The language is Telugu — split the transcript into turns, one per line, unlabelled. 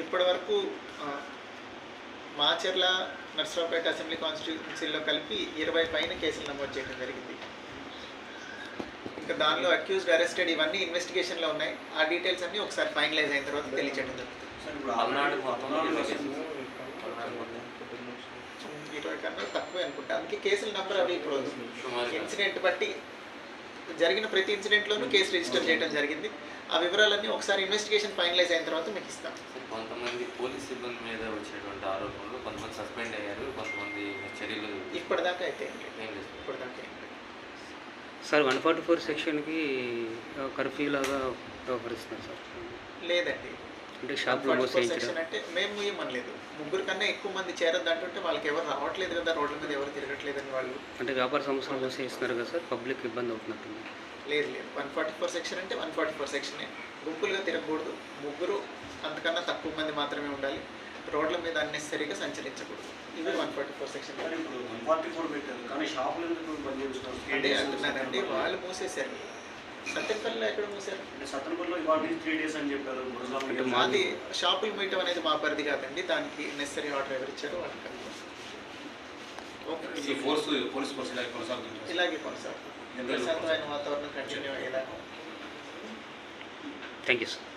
ఇప్పటి వరకు మాచర్ల, నర్సరావుపేట అసెంబ్లీ కాన్స్టిట్యూన్సీలో కలిపి 20 పైన కేసులు నమోదు చేయడం జరిగింది. ఇంకా దానిలో అక్యూజ్డ్, అరెస్టెడ్ ఇవన్నీ ఇన్వెస్టిగేషన్లో ఉన్నాయి. ఆ డీటెయిల్స్ అన్నీ ఒకసారి ఫైనలైజ్ అయిన తర్వాత తెలియచేయడం జరుగుతుంది. 20 కన్నా తక్కువే అనుకుంటా. అందుకే కేసుల నెంబర్ అవి ఇప్పుడు ఇన్సిడెంట్ బట్టి జరిగిన ప్రతి ఇన్సిడెంట్లోనూ కేసు రిజిస్టర్ చేయడం జరిగింది. ఆ వివరాలన్నీ ఒకసారి ఇన్వెస్టిగేషన్ ఫైనలైజ్ అయిన తర్వాత మీకు ఇస్తాం.
కొంతమంది పోలీస్ సిబ్బంది మీద వచ్చేటువంటి ఆరోపణలు, కొంతమంది సస్పెండ్ అయ్యారు, కొంతమంది చర్యలు
ఇప్పటిదాకా అయితే ఇప్పటిదాకా
సార్ 144 సెక్షన్కి కర్ఫ్యూ లాగా వ్యవహరిస్తున్నారు సార్.
లేదండి,
అంటే షాప్లో
సెక్షన్ అంటే మేము ఏమనలేదు. 3 కన్నా ఎక్కువ మంది చేరద్దంటుంటే వాళ్ళకి ఎవరు రావట్లేదు కదా, రోడ్ల మీద ఎవరు తిరగట్లేదని వాళ్ళు
అంటే వ్యాపార సంస్థలు మూసేస్తున్నారు కదా సార్, పబ్లిక్ ఇబ్బంది అవుతున్నట్టుంది.
లేదు 144 సెక్షన్ అంటే 144 సెక్షనే. గుంపులుగా తిరగకూడదు, 3 అంతకన్నా తక్కువ మంది మాత్రమే ఉండాలి, రోడ్ల మీద అన్నెసరీగా సంచరించకూడదు. ఇవి 144 సెక్షన్. అదే అంటున్నానండి, వాళ్ళు మూసేశారు. సత్యపల్లిలో ఎక్కడ మూసారు? మాది షాపులు మూయటం అనేది మా పరిధి కాదండి, దానికి నెసరీ ఆర్డర్ ఎవరు ఇచ్చారో వాళ్ళకి ఇలాగే కొనసాగుతుంది. ప్రశాంతమైన వాతావరణం కంటిన్యూ అయ్యేలా.
Thank you sir.